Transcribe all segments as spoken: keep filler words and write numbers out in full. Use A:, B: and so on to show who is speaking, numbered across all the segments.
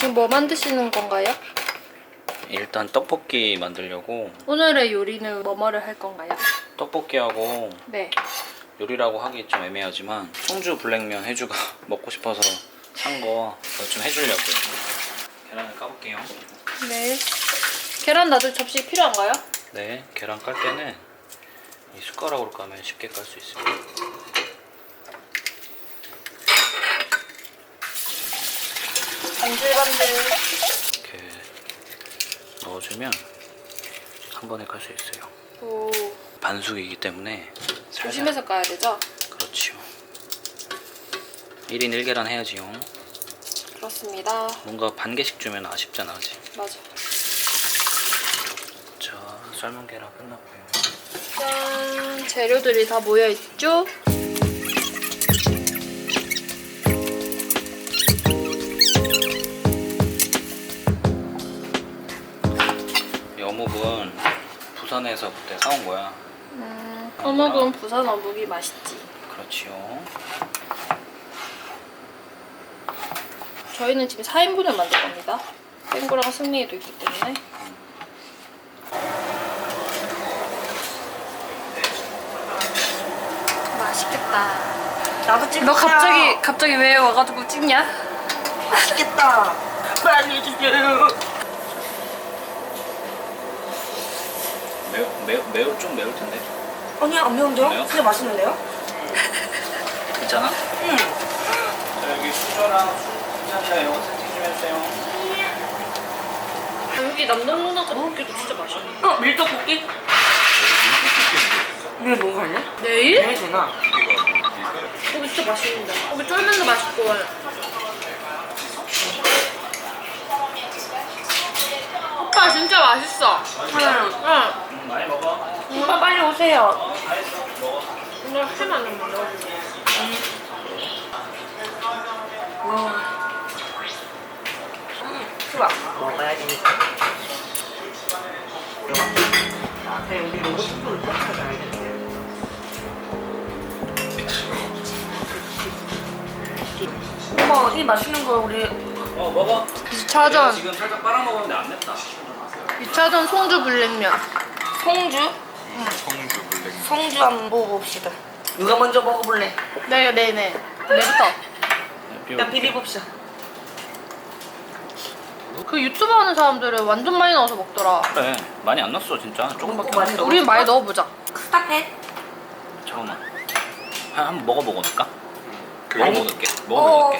A: 지금 뭐 만드시는 건가요?
B: 일단 떡볶이 만들려고.
A: 오늘의 요리는 뭐뭐를 할 건가요?
B: 떡볶이하고
A: 네.
B: 요리라고 하기 좀 애매하지만 송주 블랙면 해주가 먹고 싶어서 산 거 좀 해주려고요. 계란을 까볼게요.
A: 네. 계란 놔둘 접시 필요한가요?
B: 네, 계란 깔 때는 이 숟가락으로 까면 쉽게 깔 수 있습니다.
A: 반질반질.
B: 이렇게 넣어주면 한 번에 깔 수 있어요.
A: 오.
B: 반숙이기 때문에 살살.
A: 조심해서 까야 되죠?
B: 그렇지요. 일 인 일 계란 해야지요.
A: 그렇습니다.
B: 뭔가 반 개씩 주면 아쉽잖아, 그치?
A: 맞아.
B: 자, 삶은 계란 끝났고요.
A: 짠. 재료들이 다 모여있죠?
B: 이 어묵은 부산에서 그때 사온 거야.
A: 음, 어묵은 부산 어묵이 맛있지.
B: 그렇지요.
A: 저희는 지금 사 인분을 만들 겁니다. 땡구랑 승리도 있기 때문에. 맛있겠다.
C: 나도 찍자.
A: 너 갑자기 갑자기 왜 와가지고 찍냐?
C: 맛있겠다. 빨리 해주세요.
B: 매우 매우 매우 좀 매울 텐데.
C: 아니 안 매운데요?
B: 매워?
C: 진짜 맛있는데요?
B: 괜찮아?
C: 응.
B: 자, 여기 수저랑 수저랑 이거 세팅 좀 해주세요.
A: 아, 여기 남동 누나가 먹기도 진짜 맛있네.
C: 어 밀떡볶이? 내일 뭐 갈래?
A: 내일?
C: 내일 되나?
A: 거기 진짜 맛있는데. 거기 쫄면도 맛있고. 오빠 진짜 맛있어.
C: 응.
A: 응.
B: 음, 많이 먹어.
C: 오빠 빨리 오세요.
A: 오늘 햄 안 먹어.
C: 와. 수박 먹어야지. 아, 그래 우리 로봇 친구를 꼭 찾아야겠네. 어머 이 맛있는 거 우리
B: 어, 먹어.
A: 이 차전.
B: 지금 살짝 빨아 먹었는데 안 맵다.
A: 이 차전 송주 불냉면.
C: 송주?
B: 송주 블랙.
C: 송주 한번 먹어봅시다. 누가 먼저 먹어볼래?
A: 네, 네, 네. 내부터.
C: 일단 비벼봅시다.
A: 그 유튜브 하는 사람들은 완전 많이 넣어서 먹더라.
B: 그래, 많이 안 넣었어 진짜. 조금밖에 안
C: 많이
B: 넣었어.
A: 우리 많이 넣어보자.
C: 스탑해.
B: 잠깐만. 한, 한번 먹어보고 넣을까?
C: 아니.
B: 먹어보고 넣을게. 먹어보고 넣을게.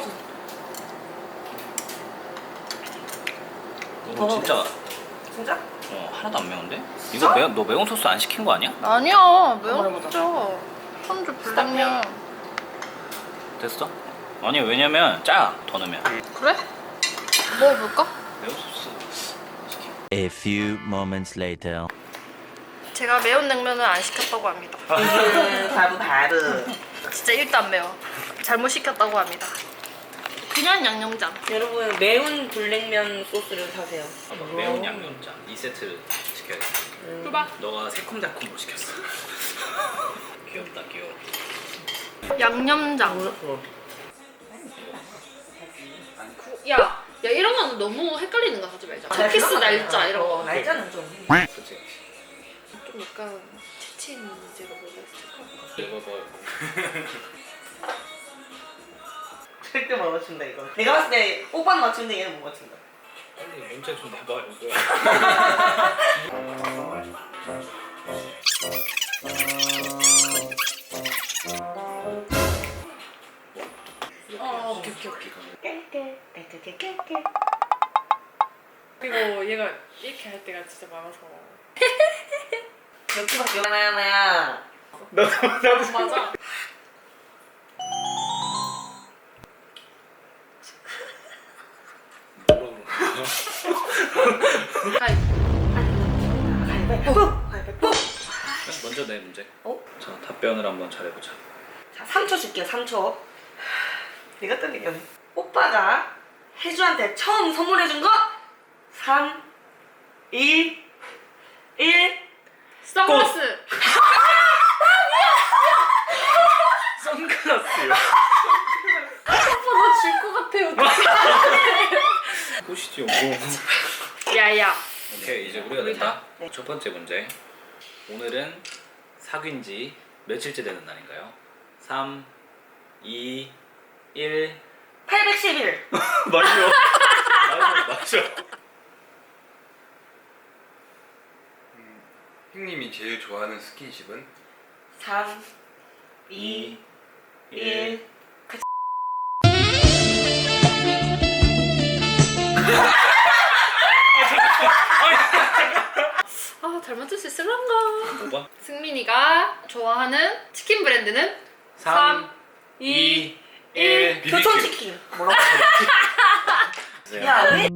B: 이거
C: 먹어볼게.
B: 진짜
C: 진짜?
B: 어, 하나도 안 매운데? 이거 매, 너 매운 소스 안 시킨 거 아니야?
A: 아니야, 매운
C: 먹어보자.
A: 진짜. 송주 불냉면.
B: 됐어? 아니 왜냐면 짜, 더 넣으면.
A: 그래? 먹어볼까?
B: 매운 소스 시킨.
D: A few moments later.
A: 제가 매운 냉면을 안 시켰다고 합니다.
C: 음, 바로 바로.
A: 진짜 일도 안 매워. 잘못 시켰다고 합니다. 그냥 양념장.
C: 여러분 매운 불냉면 소스를 사세요.
B: 매운 양념장 이 세트 시켜야 돼.
A: 줘봐.
B: 너가 새콤달콤으로 시켰어. 귀엽다 귀여워.
A: 양념장.
C: 어.
A: 야, 야 이런 거는 너무 헷갈리는 거 하지 말자. 쿠키스 날짜 이런 거.
C: 어, 날짜는 좀.
B: 그치?
A: 좀 약간 체친 문제가 뭐가 있을까?
B: 이거 뭐
C: 절대 못 맞춘다 이거. 내가 봤을 때 오빠는 맞추는데 얘는 못 맞춘다.
B: 빨리 문제 좀 내봐 이거.
A: 어, 오케이 오케이 오케이.
C: 깨깨 깨깨 깨깨.
A: 그리고 얘가 이렇게 할 때가 진짜 많아서.
C: 몇 개밖에 하나야 하나야.
B: 나도 나도
A: 맞아. 가위.
C: 가위바위보. 가위바위보.
B: 먼저 내 문제.
C: 어?
B: 자 답변을 한번 잘해보자.
C: 자, 삼 초 줄게요. 삼 초. 내가 떨리겠네. 오빠가 혜주한테 처음 선물해준 거 삼, 이, 일.
A: 선글라스.
B: 선글라스요.
A: 오빠 나 질 것 같아요.
B: 굿이
A: 야야.
B: 오케이 이제 우리가
A: 우리가?
B: 된다.
C: 네.
B: 첫 번째 문제. 오늘은 사귄 지 며칠째 되는 날인가요? 삼, 이, 일.
C: 팔백십일.
B: 맞죠? 맞죠? 맞죠?
E: 형님이 제일 좋아하는 스킨십은?
C: 삼, 이, 일.
A: 아, 잘 맞출 수 있을란가?
B: 오 번.
A: 승민이가 좋아하는 치킨 브랜드는 삼, 이, 일.
C: 교촌치킨. 뭐라고? 야, 왜?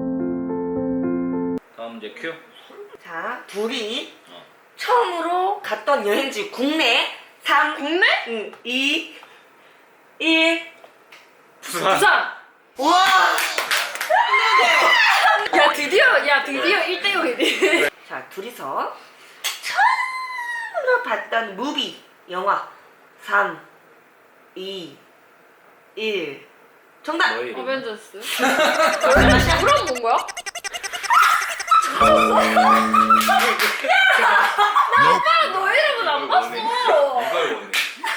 B: 다음 문제 큐.
C: 자, 둘이
B: 어.
C: 처음으로 갔던 여행지 국내. 삼,
A: 국내?
C: 응, 이, 일.
B: 부산.
A: 부산.
C: 우와!
A: 야, 드디어, 야, 드디어 일 대 영이네.
C: 자, 둘이서 처음으로 봤던 무비, 영화. 삼, 이, 일. 정답!
B: 너의 이름.
A: 어벤져스. 그럼 뭔 거야? 나 오빠랑 너 이름은 안 봤어.
E: 이걸 원해.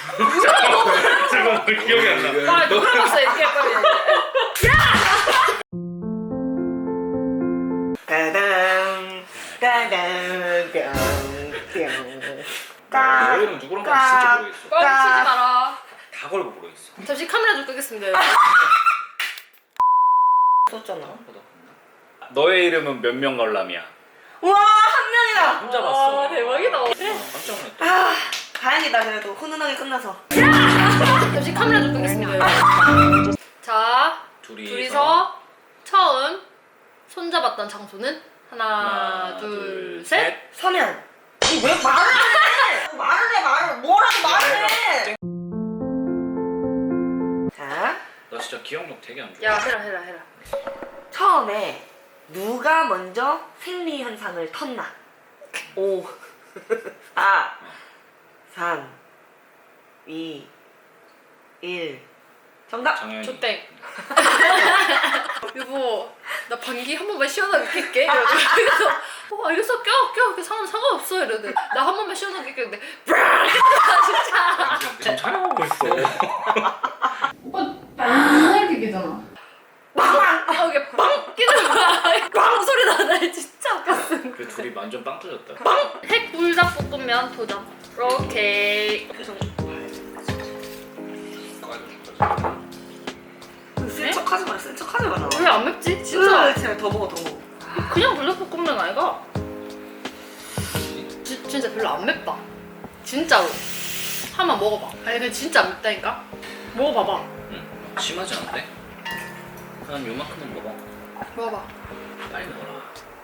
B: 잠깐만 기억이 안 나.
A: 아, 누구랑 봤어, 이렇게 빨리.
C: 따당, 따당, 뿅, 뿅.
B: 너의 이름 누구랑 봤지 진짜 모르겠어.
A: 뻥치지 마라.
B: 다 걸고 모르겠어.
A: 잠시 카메라 좀 끄겠습니다.
C: 썼잖아.
B: 너의 이름은 몇 명 관람이야?
C: 우와, 한 명이다!
B: 혼자 봤어.
A: 와, 대박이다.
B: 아, 깜짝 놀랐다.
C: 아, 다행이다, 그래도. 훈훈하게 끝나서.
A: 잠시 카메라 좀 끄겠습니다. 자,
B: 둘이서,
A: 둘이서 처음 손잡았던 장소는 하나,
B: 하나,
A: 둘, 셋.
C: 서면. 니 왜 말을 해? 말을 해, 말을. 뭐라고 말을 해? 자,
B: 나 진짜 기억력 되게 안 좋아.
A: 야, 해라, 해라, 해라.
C: 처음에 누가 먼저 생리 현상을 텄나? 오, 사, 삼, 이, 일. 정답!
B: 장현이.
A: 조땡. 여보, 나 방귀 한 번만 시원하게 낄게. 이러면서 어, 알겠어, 껴, 껴. 그 상관 상관없어. 이러는데 나 한 번만 시원하게 낄게. 근데 브라! 진짜.
B: 지금 촬영하고 있어.
A: 오빠 빵 이렇게 끼잖아. 빵! 아, 이게 빵 끼는 거야. 빵 소리 나나 진짜 웃겼어.
B: 그 둘이 완전 빵 터졌다.
A: 핵불닭볶음면 도전. 오케이.
C: 쓴 척하지 마, 쓴 척하지 마라.
A: 왜 안 맵지? 진짜.
C: 진짜 더 먹어, 더 먹어.
A: 그냥 불닭볶음면 아이가? 지, 진짜 별로 안 맵다. 진짜로. 한번 먹어봐. 아니 근데 진짜 안 맵다니까. 먹어봐봐.
B: 응. 심하지 않은데? 한 요만큼은 먹어.
A: 먹어봐.
B: 빨리 먹어라.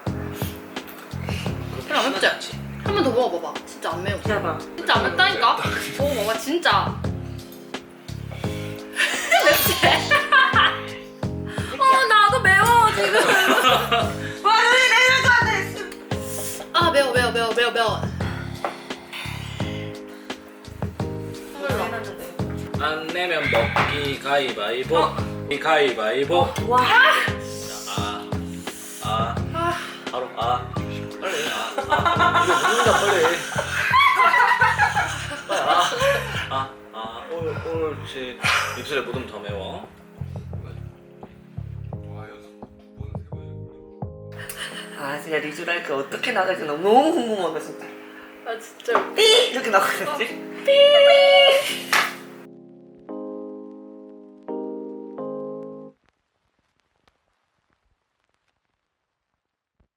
A: 별로 안 맵지?
B: 않지?
A: 한 번 더 먹어봐봐. 진짜 안 매워.
C: 기다려봐.
A: 진짜 안 맵다니까. 먹어봐봐 진짜. 맵지? 어 나도 매워 지금.
C: 와, 여기 내릴 것 같아.
A: 아 매워 매워 매워 매워 매워.
C: 해놨는데.
B: 안 내면 먹기 가위바위보. 이 가위바위보.
C: 와.
B: 아, 아,
A: 아
B: 바로 아. 빨리 아, 아. 이거 먹는다 빨리. 빨리 아, 아, 아. 올, 옳지. 입술에 묻으면 더 매워.
E: 와, 연속 두 번, 세 번.
C: 아, 진짜 리쥬랄크 어떻게 나갈지 너무 궁금하다, 진짜.
A: 아 진짜.
C: 삐! 이렇게 나가겠지?
A: 삐.